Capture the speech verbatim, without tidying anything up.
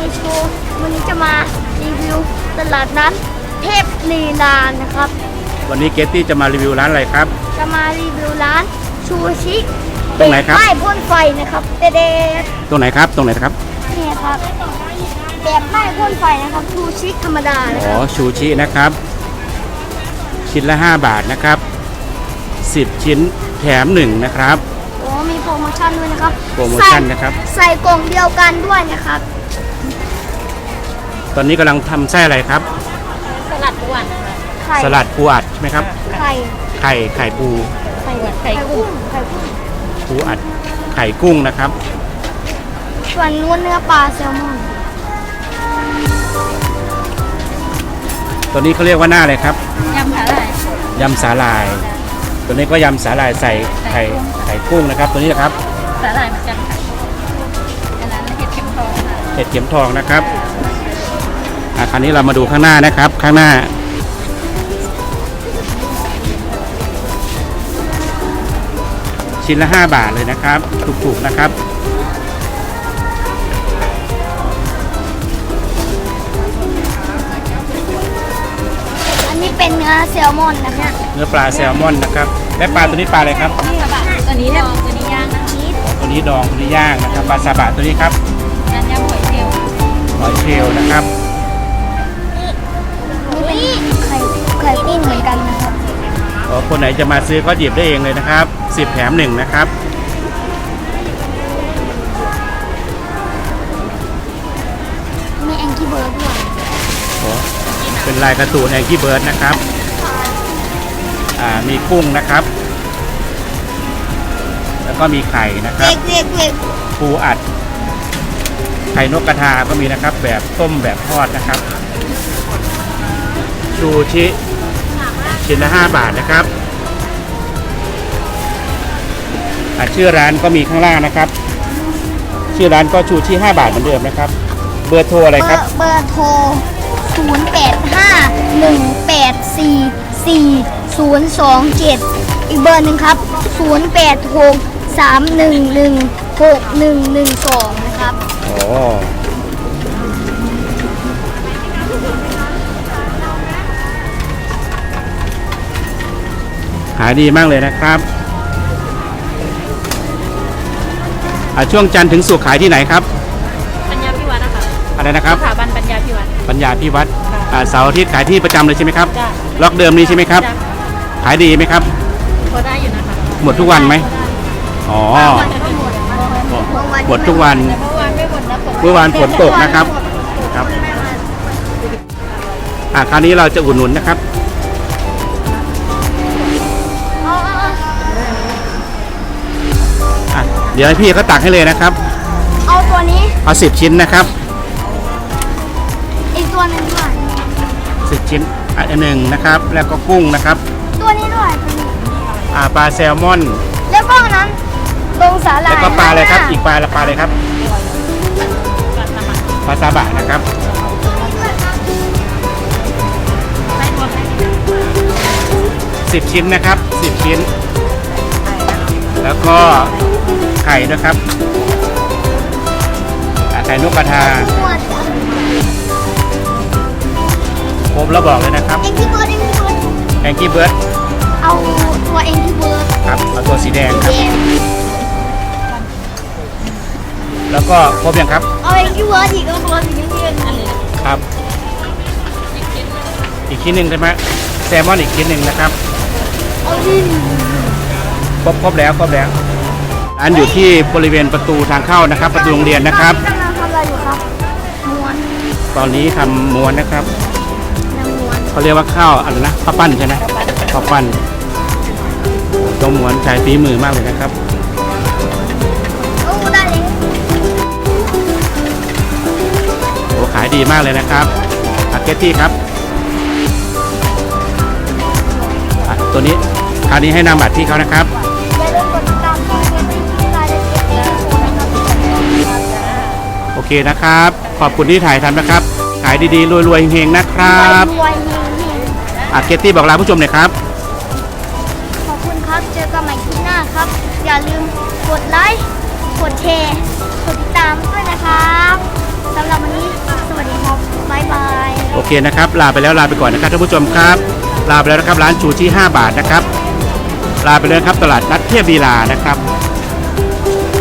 โชว์วันนี้จะมารีวิวตลาดนัดเทพลีลานะครับวันนี้เกตตี้จะมารีวิวร้านอะไรครับจะมารีวิวร้านชูชิตรงไหนครับไม่พ่นไฟนะครับเด็ดตรงไหนครับตรงไหนครับนี่ครับแบบไม่พ่นไฟนะครับชูชิธรรมดาอ๋อชูชินะครับชิ้นละห้าบาทนะครับสิบชิ้นแถมหนึ่งนะครับโอ้มีโปรโมชั่นด้วยนะครับโปรโมชั่นนะครับใส่กล่องเดียวกันด้วยนะครับตอนนี้กำลังทำไส้อะไรครับสลัดปูอัดสลัดปูอัดใช่ไหมครับไข่ไข่ไข่ปูไข่ไข่กุ้งไข่กุ้งปูอัดไข่กุ้งนะครับส่วนนู้นเนื้อปลาแซลมอนตัวนี้เขาเรียกว่าหน้าอะไรครับยำสาหร่ายยำสาหร่ายตัวนี้ก็ยำสาหร่ายใส่ไข่ไข่กุ้งนะครับตัวนี้นะครับสาหร่ายเหมือนกันค่ะอันนั้นเห็ดเข็มทองค่ะเห็ดเข็มทองนะครับอ่ะคราวนี้เรามาดูข้างหน้านะครับข้างหน้าชิ้นละห้าบาทเลยนะครับถูกๆนะครับอันนี้เป็นเนื้อแซลมอนนะคะเนื้อปลาแซลมอนนะครับและปลาตัวนี้ปลาอะไรครับนี่ค่ะตัวนี้ดองตัวนี้ย่างนะตัวนี้ดองตัวนี้ย่างนะครับปลาซาบะตัวนี้ครับน้ำยำหอยเชลล์หอยเชลล์นะครับนี่เป็นไข่ไข่กุ้งเหมือนกันนะครับคนไหนจะมาซื้อก็หยิบได้เองเลยนะครับสิบแถมหนึ่งนะครับมีแองกี้เบิร์ดด้วยเป็นลายการ์ตูนแองกี้เบิร์ดนะครับอ่ามีกุ้งนะครับแล้วก็มีไข่นะครับปูอัดไข่นกกระทาก็มีนะครับแบบต้มแบบทอดนะครับชูชิชิ้นละห้าบาทนะครับชื่อร้านก็มีข้างล่างนะครับชื่อร้านก็ชูชิห้าบาทเหมือนเดิมนะครับเบอร์โทรอะไรครับเบอร์โทรศูนย์ แปด ห้า หนึ่ง แปด สี่ สี่ ศูนย์ สอง เจ็ดอีกเบอร์หนึ่งครับศูนย์ แปด หก สาม หนึ่ง หนึ่ง หก หนึ่ง หนึ่ง สองนะครับโอ้ขายดีมากเลยนะครับช่วงจันทร์ถึงศุกร์ขายที่ไหนครับปัญญาพิวัตรนะคะอะไรนะครับสถาบันปัญญาพิวัตรปัญญาพิวัตรเสาร์อาทิตย์ขายที่ประจำเลยใช่ไหมครับล็อกเดิมนี้ใช่ไหมครับขายดีไหมครับพอได้อยู่นะคะหมดทุกวันไหมอ๋อหมดทุกวันเมื่อวานฝนตกนะครับครับอ่ะคราวนี้เราจะอุดหนุนนะครับเดี๋ยวให้พี่เขาตักให้เลยนะครับเอาตัวนี้เอาสิบชิ้นนะครับอีกตัวหนึ่งด้วยสิบชิ้นอันหนึ่งนะครับแล้วก็กุ้งนะครับตัวนี้ด้วยอ่าปลาแซลมอนแล้วก็นั้นตรงสาหร่ายแล้วก็ปลาอะไรครับอีกปลาละปลาอะไรครับปลาซาบะนะครับสิบชิ้นนะครับสิบชิ้นแล้วก็ไข่นะครับไข่นกกระทาครบแล้วบอกเลยนะครับแองกี้เบิร์ดแองกี้เบิร์ดเอาตัวแองกี้เบิร์ดครับเอาตัวสีแดงครับแล้วก็ครบยังครับเอาแองกี้เบิร์ดอีกเอาตัวสีเงินอันนี้ครับอีกชิ้นหนึ่งใช่ไหมแซลมอนอีกชิ้นหนึ่งนะครับเอาดิครบครบแล้วครบแล้วอันอยู่ที่บริเวณประตูทางเข้านะครับประตูโรงเรียนนะครับกำลังทำอะไรอยู่ครับม้วนตอนนี้ทำม้วนนะครับม้วนเขาเรียกว่าข้าวอะไรนะข้าวปั้นใช่ไหมข้าวปั้นตัวม้วนใช้ฝีมือมากเลยนะครับโอ้ได้เลยโอ้ขายดีมากเลยนะครับอาเกตตี้ครับตัวนี้คราวนี้ให้นำบัตรที่เขานะครับโอเคนะครับขอบคุณที่ถ่ายทำนะครับขายดีๆรวยๆเฮงๆนะครับอาเกตตี้บอกลาผู้ชมหน่อยครับขอบคุณครับเจอกันใหม่คลิปหน้าครับอย่าลืมกดไลค์กดแชร์กดติดตามด้วยนะครับสำหรับวันนี้เคนะครับลาไปแล้วลาไปก่อนนะครับท่านผู้ชมครับลาไปแล้วนะครับร้านชูชีห้าบาทนะครับลาไปเลยครับตลาดนัดเทพลีลานะครับ